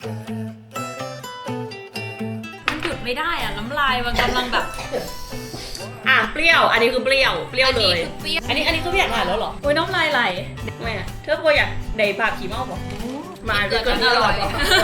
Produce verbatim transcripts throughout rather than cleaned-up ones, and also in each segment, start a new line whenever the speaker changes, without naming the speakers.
มันหยุดไม่ได้อ่ะน้ำลายมันกำลังแบบ
อ่ะเปรี้ยวอันนี้คือเปรี้ยวเปรี้ยวเลย
อันนี้คือเปรี้ยว
อันนี้อันนี้คือพี่อยากถ่ายแล้วเหรอ
โอ้ยน้ำลายไหล
ไม่อะเธอพออยากได้ปลาผีเมาบอกมา
เกิด
เกิ
กัน นอร่อย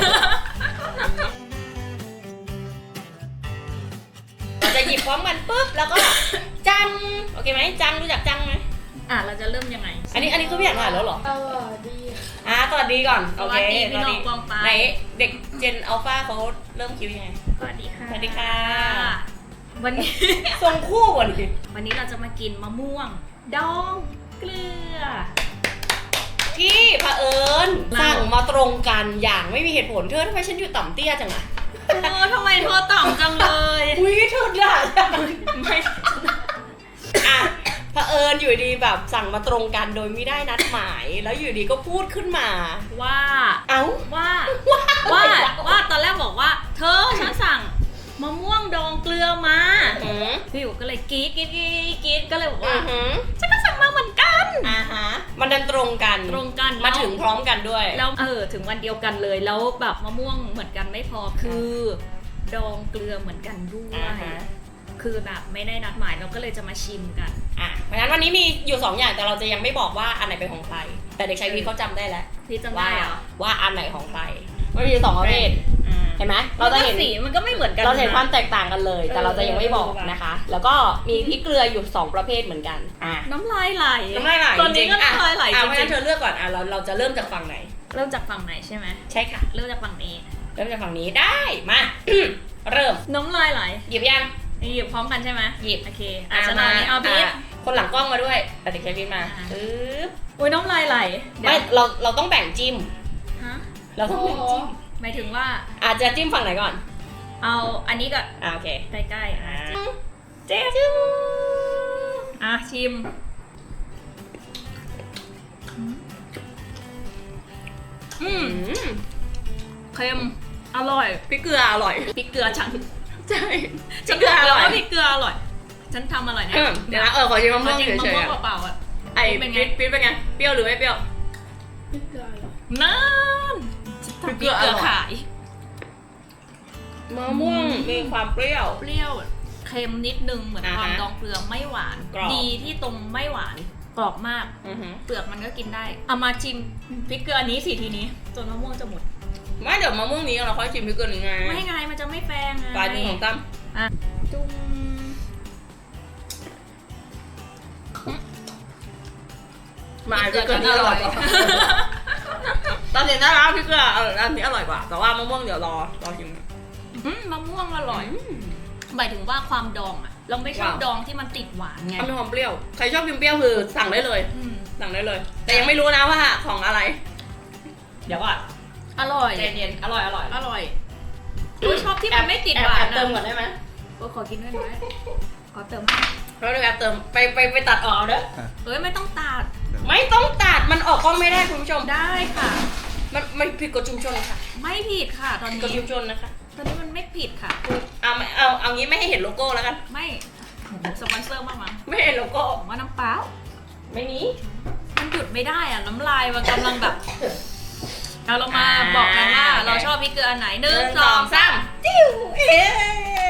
เราจะหยิบพร้อมกันปุ๊บแล้วก็จังโอเคไหมจังรู้จักจังไหม
อ่ะเราจะเริ่มยังไง
อันนี้อันนี้คือพี่อยากถ่ายแล้วเหรอ
เออดี
อ่ะสวัสดีก่อน
สวัสดีพี่น้องกองปลา
ไหนเด็กเจนอัลฟาเขาเริ่มคิวยังไง
สวัสดีค่ะ
สวัสดีค่ะ
วันนี้
ทรงคู่วันนี้
วันนี้เราจะมากินมะม่วง ดองเกลือ
ที่เผอิญ
เรา
สั่งมาตรงกันอย่างไม่มีเหตุผลเธอทำไมฉันอยู่ต่ำเตี้ยจังอะ
โอ้ทำไมโทรต่ำจังเลย
อุ้ยเธอด่าไม่อ่ะเผอิญอยู่ดีแบบสั่งมาตรงกันโดยไม่ได้นัดหมาย แล้วอยู่ดีก็พูดขึ้นมา
ว่า
เอ้า
ว่าว่าว่าตอนแรกบอกว่า เธอฉันสั่งมะม่วงดองเกลือมา
อือ
พี่อยู่ก็เลยกรี๊ดกรี๊ดกรี๊ดกรี๊ดก็เลยบอก
อื
ว่า
อหือ
ฉันก็สั่งมาเหมือนกัน
อ่าฮะมันดันตรงกัน
ตรงกัน
มาถึงพร้อมกันด้วย
แล้วเออถึงวันเดียวกันเลยแล้วแบบมะม่วงเหมือนกันไม่พอคือดองเกลือเหมือนกันด้วย
อ่าฮะ
คือแบบไม่ได้นัดหมายเราก็เลยจะมาชิมกัน
อ่ะเพราะฉะนั้นวันนี้มีอยู่สองอย่างแต่เราจะยังไม่บอกว่าอันไหนเป็นของใคร แต่เด็กชายพีเขาจำได้แล้ว
พี่จำ
ว่า
ได้เหรอ
ว่าอันไหนของใครมันมีสองประเภท
อ่า
เห็นไหมเราจะเห็น
สีมันก็ไม่เหมือนกัน
เราจะเห็น
นะ
ความแตกต่างกันเลย แต่เราจะยังไม่บอก
เออ
นะคะ แล้วก็มีพริกเกลืออยู่สองประเภทเหมือนกันอ่ะ
น้ำลายไหล
น้ำลายไหล
ตอนนี้ก็
จริงๆ
น้ำลายไหล
อ่ะ
จ
เพราะฉะ
ริ
นั้
ง
นเธอเลือกก่อนอ่ะเราเราจะเริ่มจากฝั่งไหน
ๆเริ่มจากฝั่งไหนใช่ไหม
ใช่ค่ะ
เริ่มจากฝั่งนี้
เริ่มจากฝั่งนี้ได้มา เริ่ม
น้ำลายไหล
หยิบยัง
นี่หยิบพร้อมกันใช่ไหม
หยิบ
โอเคอาจจะเอานี้เอาพีช
ะคนหลังกล้องมาด้วยแต่เด็กชายพีทมา
อ่า
ปึ๊บ
โอ้ยน้ำลายไหลเดี๋ยว
ไม่เราเราต้องแบ่งจิ้ม
ฮะ
เราต้องแบ่งจิ้ม
หมายถึงว่า
อาจจะจิ้มฝั่งไหนก่อน
เอาอันนี้ก่อน
อ่าโอเค
ใกล้ๆอ่ะ
เจ๊จิ้ม
อ่ะชิมอื
อื
ม
ม
เค็มอร่อย
พริกเกลืออร่อย
พริกเกลือฉัน
ใช่
ฉัน
พริกเกลืออร่อย
ว่าพริกเกลืออร่อย ฉันทำอร่อยนะ
เออเดี๋ยวนะเออขอชิมมะม่วง
จริง
เฉ
มะ
ย
ม่วง
ๆอะ
เปล่าๆอ่ะ
ไอ้
เป็นไง
พริกพริกเป็นไงเปรี้ยวหรือไม่เปรี้ยว
พี่เกลือเหรอ
นั่น
พริก
พ
เก
ริ
ลื
ก
อ
เกลือ
อร่อย
ขาย
มะม่วงมีความเปรี้ยว
เปรี้ยวเค็มนิดนึงเหมือน
อ่าฮะ
ความดองเกลือไม่หวาน
กรอบ
ดีที่ตรงไม่หวานกรอบมาก
อือหือ
เปลือกมันก็กินได้เอามาชิมพริกเกลือนี้สิทีนี้จนมะม่วงจะหมด
ไม่เดี๋ยวมะม่วงนี้เราค่อยชิมพริกเกลือนี้ไง
ไม่ไงมันจะไม่แฟงไง
ปลายหนึ่งของตั้ม
อ่ะจุ่ม
มาพริกเกลือนี้อร่อยกว่าตอนเด็กน่ารักพริกเกลือเอออันนี้อร่อยกว่า แต่ว่ามะม่วงเดี๋ยวรอรอชิม
อืมมะม่วงอร่อย หมายถึงว่าความดองอะเราไม่ชอบ
ว้าว
ดองที่มันติดหวานไง
มันมีความเปรี้ยว ใครชอบกินเปรี้ยวคือสั่งได้เลย
อืม
สั่งได้เลย แต่ยังไม่รู้นะว่าของอะไร เดี๋ยวก่อน
อร่อย
ใจเย็นๆอร่อยอร่อย
อร่อยอุ๊ยชอบที่มันไม่ติดหวาน
แอบเติ
อะ
มก่อนได้ไหม
โอ้ยขอกินด้วยไหมขอเติม
แล้วเดี๋ยวแอบเติมไปไปไปตัดออกเอาเด้อ
เอ้ยไม่ต้องตัด
ไม่ต้องตัดมันออกกล้องไม่ได้คุณผู้ชม
ได้ค่ะ
มันไม่ผิดกฎชุมชนค่ะ
ไม่ผิดค่ะ ตอน
ผิดกฎ
นี้
ชุมชนนะคะ
ตอนนี้มันไม่ผิดค่ะ
เอาไม่เอาเอางี้ไม่ให้เห็นโลโก้แล้วกัน
ไม่โอ้โหสปอนเซอร์มากมั้ง
ไม่ให้เห็นโลโก้
ผมว่าน้ำเปล่า
ไม่มี
มันหยุดไม่ได้อะน้ำลายมันกำลังแบบเอาเรามา
อ่า
บอกกันว่า
โอเค
เราชอบพริกเกลืออันไหนห
ห
นึ่ง
นึ่ง
สองสาม
จิ้วเอ๊ะ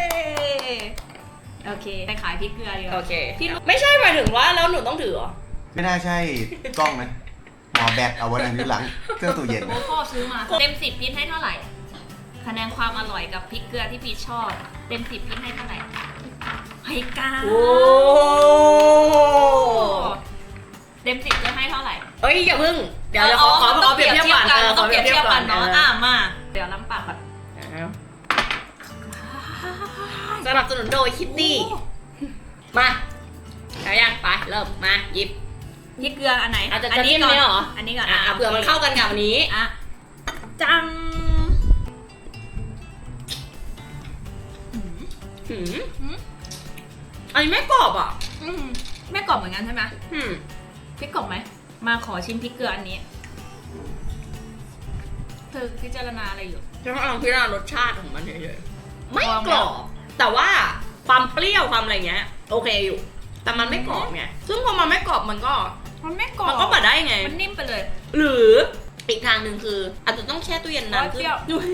โอเคไปขายพริกเกลือดีก
โอ
ว่า
เค
พี่รู้
ไม่ใช่หมายถึงว่าแล้วหนูต้องถือเหรอ
ไม่น่าใช่กล้องนะหมอแบตเอาไว้ในนิ้วหลังเครื่องตู้เย็น
โอ้พ่อซื้อมาเต็มสิบพีทให้เท่าไหร่คะแนนความอร่อยกับพริกเกลือที่พีทชอบ เต็มสิบพีทให้เท่าไหร่ให้เก้า
โอ้
เต็มสิบจะให้เท่าไหร่
เอ้ยอย่าพึ่ง เดี๋ยวเดี๋ยวขอขอขอเปรียบเทียบก่อน
เราต้องเปรียบเทียบกัน
อ
เนาะ
อ
อ่ะมาเดี๋ยวน้ำปากก่อน
สนับสนุนโดยคิตตี้ มาเอายังไปเริ่มมาหยิบ
พริกเกลืออันไหน
อาจจะ
อั
จะจิ้ม
ก่อน
เนี่ยเหรอ
อันนี้ก่อน
อ่ะอ่ะเผื่อมันเข้ากันกับอันนี้
อ่ะจัง
หืม
หืม
อันนี้ไม่กรอบอ่ะ
อืมแม่กรอบเหมือนกันใช่ไหม
หืม
พริกกรอบไหมมาขอชิมพริกเกลืออันนี้เธอพิจารณาอะไรอยู่
ฉันกำลังพิจารณารสชาติของมันเฉยๆไม่
ลอง
กรอบ แต่ว่าความเปรี้ยวความอะไรเงี้ย โอเคอยู่ แต่มันไม่กรอบไง ซึ่งพอมันไม่กรอบมันก็
มันไม่กรอบ
มันก็มาได้ไง
มันนิ่มไปเลย
หรืออีกทางหนึ่งคืออาจจะต้องแช่ตู้เย็นนานขึ้น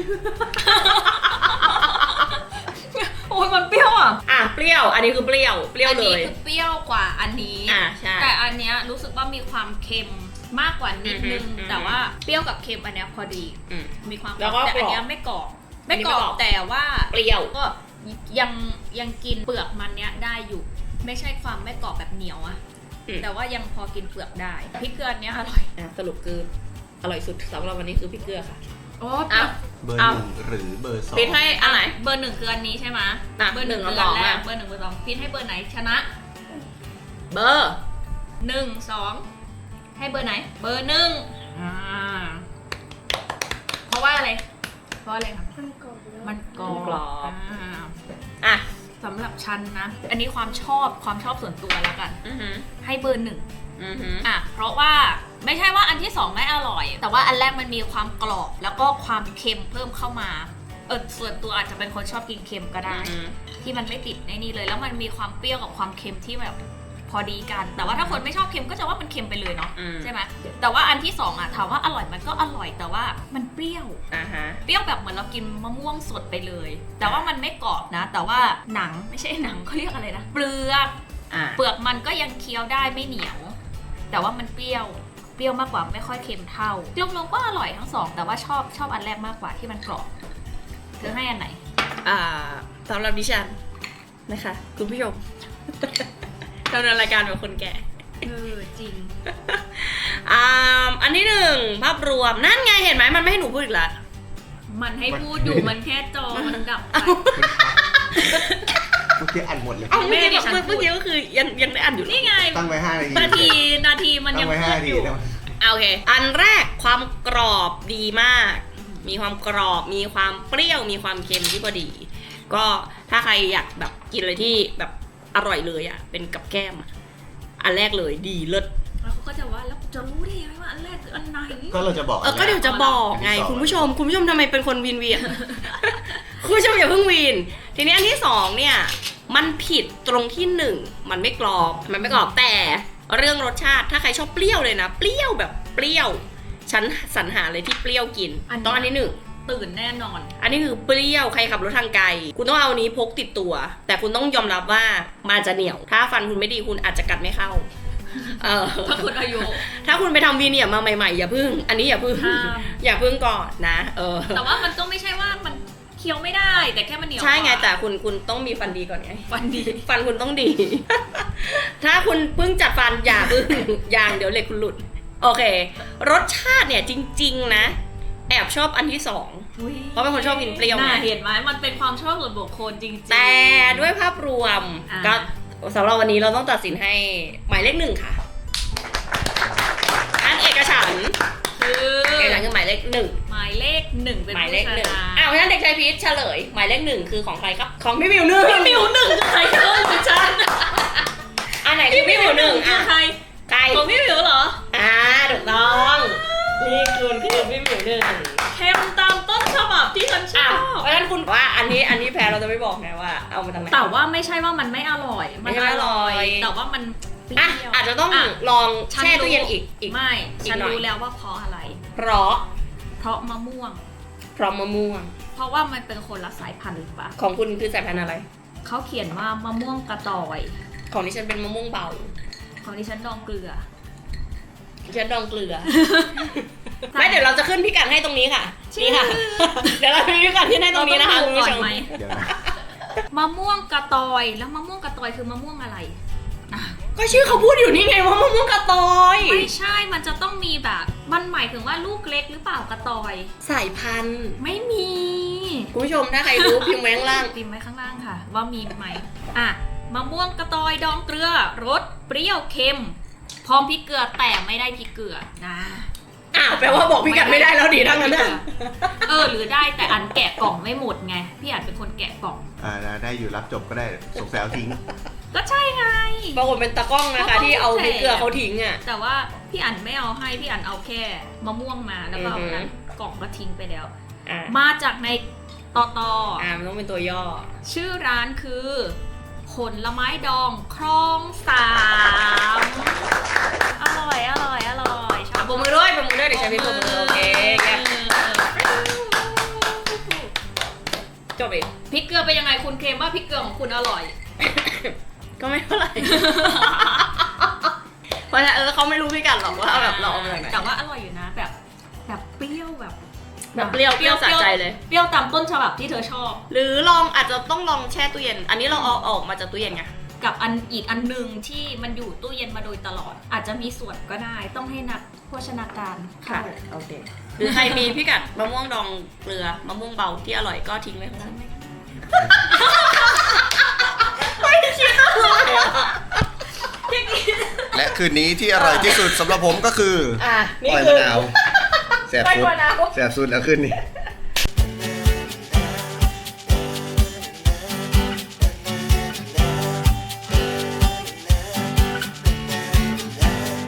โอ้ยมันเปรี้ยวอ่ะ
อ่ะเปรี้ยว อันนี้คือเปรี้ยวเปรี้ยว
อัน
เล
นี้
ย
คือเปรี้ยวกว่าอันนี้
อ่ะใช่
แต่อันเนี้ยรู้สึกว่ามีความเค็มมากกว่านิดนึง
อือฮึ
แต่ว่าเปรี้ยวกับเค็มอันเนี้ยพอดี
อืม
มีความ
แล้วก็
แต่อัน
กรอบ
เนี้ยไม่กรอบ
อั
ไม่
นนี้
ก
ไม่
ร
กร
อ
อ
บบ แต่ว่า
เปรี้ยว
ก็ยังยังกินเปลือกมันเนี้ยได้อยู่ ไม่ใช่ความไม่กรอบแบบเหนียวอะ
อืม
แต่ว่ายังพอกินเปลือกได้พริกเกลืออันเนี้ยอร่อย
อ่ะสรุปคืออร่อยสุดสำหรับวันนี้คือพริกเกลือค่ะ
โอ้
อ้าว
เบอร์
เอา
หนึ่งหรือเบอร์สอง
ปิดให้อันไหน
เบอร์หนึ่งคืออันนี้ใช่ไหม
อ่ะ
เบอร์หนึ่ง
หนึ่ง
คือ
กับ
อันแร
สอง
ก
อ่ะ
เบอร์หนึ่งเบอร์สองพินให้เบอร์ไหนชนะ
เบอร์
หนึ่งสองให้เบอร์ไหน เบอร์หนึ่งอ่าเพราะว่าอะไร เพราะอะไรครับ
มันกรอบแล้ว
มันกรอบ
กรอบ
อ่า
อ่ะ
สำหรับฉันนะ อันนี้ความชอบความชอบส่วนตัวแล้วกัน
อือหือ
ให้เบอร์หนึ่ง
อือหือ
อ่ะเพราะว่าไม่ใช่ว่าอันที่สองไม่อร่อย แต่ว่าอันแรกมันมีความกรอบแล้วก็ความเค็มเพิ่มเข้ามาเออส่วนตัวอาจจะเป็นคนชอบกินเค็มก็ได้
อือหือ
ที่มันไม่ติดในนี่เลย แล้วมันมีความเปรี้ยวกับความเค็มที่แบบพอดีกัน แต่ว่าถ้าคนไม่ชอบเค็มก็จะว่ามันเค็มไปเลยเนาะ
อืม
ใช่ไหมแต่ว่าอันที่สองอ่ะถามว่าอร่อยมันก็อร่อยแต่ว่ามันเปรี้ยว
อ่าฮะ
เปรี้ยวแบบเหมือนเรากินมะม่วงสดไปเลย แต่ว่ามันไม่กรอบนะ แต่ว่าหนังไม่ใช่หนังเขาเรียกอะไรนะเปลือก
อ่ะ
เปลือกมันก็ยังเคี้ยวได้ไม่เหนียว แต่ว่ามันเปรี้ยวเปรี้ยวมากกว่าไม่ค่อยเค็มเท่ารวมๆก็อร่อยทั้งสองแต่ว่าชอบชอบอันแรกมากกว่าที่มันกรอบเธอให้อันไหน
อ่าสำหรับดิฉันนะคะ คุณผู้ชม ดำเนินรายการแบบคนแก่
เออจริง
อ่าอันที่หนึ่งภาพรวมนั่นไงเห็นไหมมันไม่ให้หนูพูดอีกแล้ว
มันให้พูดอยู่มันแค่จอมันดับไป
เมื่อกี้อันหมดเลย
เอ้าเมื่อกี้
แม่ดิฉัน
เมื่อเมื่อกี้ก็คือยังยังได้อ่านอยู่
นี่ไง
ตั้งไว้ห้านาที
นาทีนาทีมัน
ตั้
ยัง
งไว้
พู
ห้า
ด
นา
อ
ที
ยู่
แล้ว
อ่ะโอเค อันแรกความกรอบดีมาก มีความกรอบมีความเปรี้ยวมีความเค็มที่พอดี ก็ถ้าใครอยากแบบกินอะไรที่แบบอร่อยเลยอ่ะเป็นกับแก้มอ่ะอันแรกเลยดีเลิศ
แล้วเขาก็จะว่าแล้วจะรู้ได้ยังไงว่าอันแรกคืออันไหน
ก็เราจะบอก
เออก็เดี๋ยวจะบอกไง
อันที่สอง
คุณผู้ชม คุณผู้ชมทำไมเป็นคนวีนเวียน คุณผู้ชมอย่าเพิ่งวีน ทีนี้อันที่สองเนี่ย มันผิดตรงที่หนึ่งมันไม่กรอบมันไม่กรอบแต่เรื่องรสชาติถ้าใครชอบเปรี้ยวเลยนะ เปรี้ยวแบบเปรี้ยว ฉันสรรหาเลยที่เปรี้ยวกินต้องอันที่หนึ่ง
ตื่นแน่นอน
อันนี้คือเปรี้ยวใครขับรถทางไกล คุณต้องเอาอันนี้พกติดตัว แต่คุณต้องยอมรับว่ามันจะเหนียว ถ้าฟันคุณไม่ดีคุณอาจจะกัดไม่เข้าเออ
ถ้าคุณอายุ
ถ้าคุณไปทำวีเนียร์มาใหม่ๆอย่าพึ่ง อันนี้อย่าพึ่ง
ห้าม
อย่าพึ่งก่อนนะเออ
แต่ว่ามันก็ไม่ใช่ว่ามันเคี้ยวไม่ได้ แต่แค่มันเหนียว
ใช่ไง
กว่า
แต่คุณคุณต้องมีฟันดีก่อนไง
ฟันดี
ฟันคุณต้องดี ถ้าคุณเพิ่งจัดฟันอย่าพึ่ง อย่างเดี๋ยวเหล็กคุณหลุด โอเค รสชาติเนี่ยจริงๆนะ แอบชอบอันที่สอง เพราะเป็นคนชอบกินเปรี้ยว
น่า
ไง
เห็นไหมมันเป็นความชอบส่วนบุคคลจริงๆ
แต่ด้วยภาพรวม
อ่า
ก็สำหรับวันนี้เราต้องตัดสินให้หมายเลขหนึ่งค่ะ อันเอกฉันท์
คือ
เอกฉันท์คือหมายเลขหนึ่ง
หมายเลขหนึ่งเป็น
หมาย
ผู้
เลข
ช
หนึ่ง
นะ
อ้าวงั้นเด็กชายพีชเฉลย หมายเลขหนึ่งคือของใครครับ ของพี่มิวหนึ่ง
พี่มิวหนึ่งคือใครเกินฉัน
อันไหนคือพี่มิวหนึ่ง
คื
อ่ะ
อใคร
ใคร
ของพี่มิวเหรอ
อ่าถูกต้องนี่คุณคือพี่มิวหนึ่ง
เค็มตามต้นฉบับที่ฉันช
อ่ะ
อบ
เพราะฉะนั้นคุณว่าอันนี้อันนี้แพ้เราจะไม่บอกไงว่าเอามาทำไม
แต่ว่าไม่ใช่ว่ามันไม่อร่อย
ไม่ใช่ไม่อร่อย
แต่ว่ามันเปรี้
อ่ะ
ยว
อาจจะต้อง
อ่ะ
ลอง
ฉัน
แช่
รู้
ตู้เย็นอีกอีก
ไม่
อีก
ฉัน
หน่อย
รู้แล้วว่าเพราะอะไร
เพราะ
เพราะมะม่วง
เพราะมะม่วง
เพราะว่ามันเป็นคนละสายพันธุ์หรือเปล่า
ของคุณคือสายพันธุ์อะไร
เขาเขียนว่ามะม่วงกระตอย
ของดิฉันเป็นมะม่วงเบา
ของดิฉันดองเกลือ
ดิฉันดองเกลือ ไม่เดี๋ยวเราจะขึ้นพิกัดให้ตรงนี้ค่ะ นี่ค่ะ เดี๋ยวเราจะมีพิกัดที่ให้ตรงนี้นะคะ
เรา
คุณ
ต้องดู
ผู้
ก่
ช
อน
ม
ไหม
เดี๋ยวนะ
มะม่วงกระตอย แล้วมะม่วงกระตอยคือมะม่วงอะไรอ่ะ
ก็ชื่อเขาพูดอยู่นี่ไงว่ามะม่วงกระตอย
ไม่ใช่ มันจะต้องมีแบบ มันหมายถึงว่าลูกเล็กหรือเปล่ากระตอย
สายพันธุ์
ไม่มี
คุณผู้ชมถ้าใครรู้พิมพ์ไว้ข้างล่าง
พิมพ์ไว้ข้างล่างค่ะ ว่ามีไหมอ่ะมะม่วงกระตอยดองเกลือรสเปรี้ยวเค็ม พร้อมพริกเกลือแต่ไม่ได้พริกเกลือนะ
อ้าวแปลว่าบอกพิกัดไม่ได้แล้วดีทั้งนั้นน่ะ
เออหรือได้แต่อันแกะกล่องไม่หมดไงพี่อันเป็นคนแกะกล่อง
อ่าได้อยู่รับจบก็ได้สงสัยเอาทิ้ง
ก็ใช่ไง
ปรากฏเป็นตากล้องนะคะ ที่เอาพริกเกลือเขาทิ้งอ่ะ
แต่ว่าพี่อันไม่เอาให้พี่อันเอาแค่มะม่วงมาแล้วก็เอา
อือฮึ
นั้นกล่องก็ทิ้งไปแล้ว
อ่า
มาจากในตอตอ
อ่ามันต้องเป็นตัวย่อ
ชื่อร้านคือผลไม้ดองคลองสาม อร่อยอร่อยอร่อยชอบ
โบปรบมือด้วยปรบมือด้วยเด็กชายพีปรบมือโอเคเยี่ยมจบอีก
พริกเกลือเป็นยังไงคุณเคลมว่าพริกเกลือของคุณอร่อย
ก็ไม่เท่าไหร่ เพราะฉะนั้นเออเขาไม่รู้พี่กันหรอกว่าแบบเราเอามาจากไหน
แต่ว่าอร่อยอยู่นะแบบแบบเปรี้ยวแบบ
แบบเปรี้ยวเปรี้ยวสะใจเลย
เปรี้ยวตามต้นฉบับที่เธอชอบ
หรือลองอาจจะต้องลองแช่ตู้เย็น อันนี้เราเอาออกมาจากตู้เย็นไง
กับอันอีกอันหนึ่งที่มันอยู่ตู้เย็นมาโดยตลอด อาจจะมีส่วนก็ได้ต้องให้นักโภชนาการเข้า
โอเคหรือใครมีพิกัดมะม่วงดองเกลือมะม่วงเบาที่อร่อยก็ทิ้งไว้ข้างล่างไม่คิดอะไรอ่ะ
และคืนนี้ที่อร่อยที่สุดสำหรับผมก็คือ
อ่ะนี่
ปล่อย
คื
มะ
อ
นาวแสบ
ปล่อย
สุด
มะนาว
แสบสุดแล้วคืนนี้
อ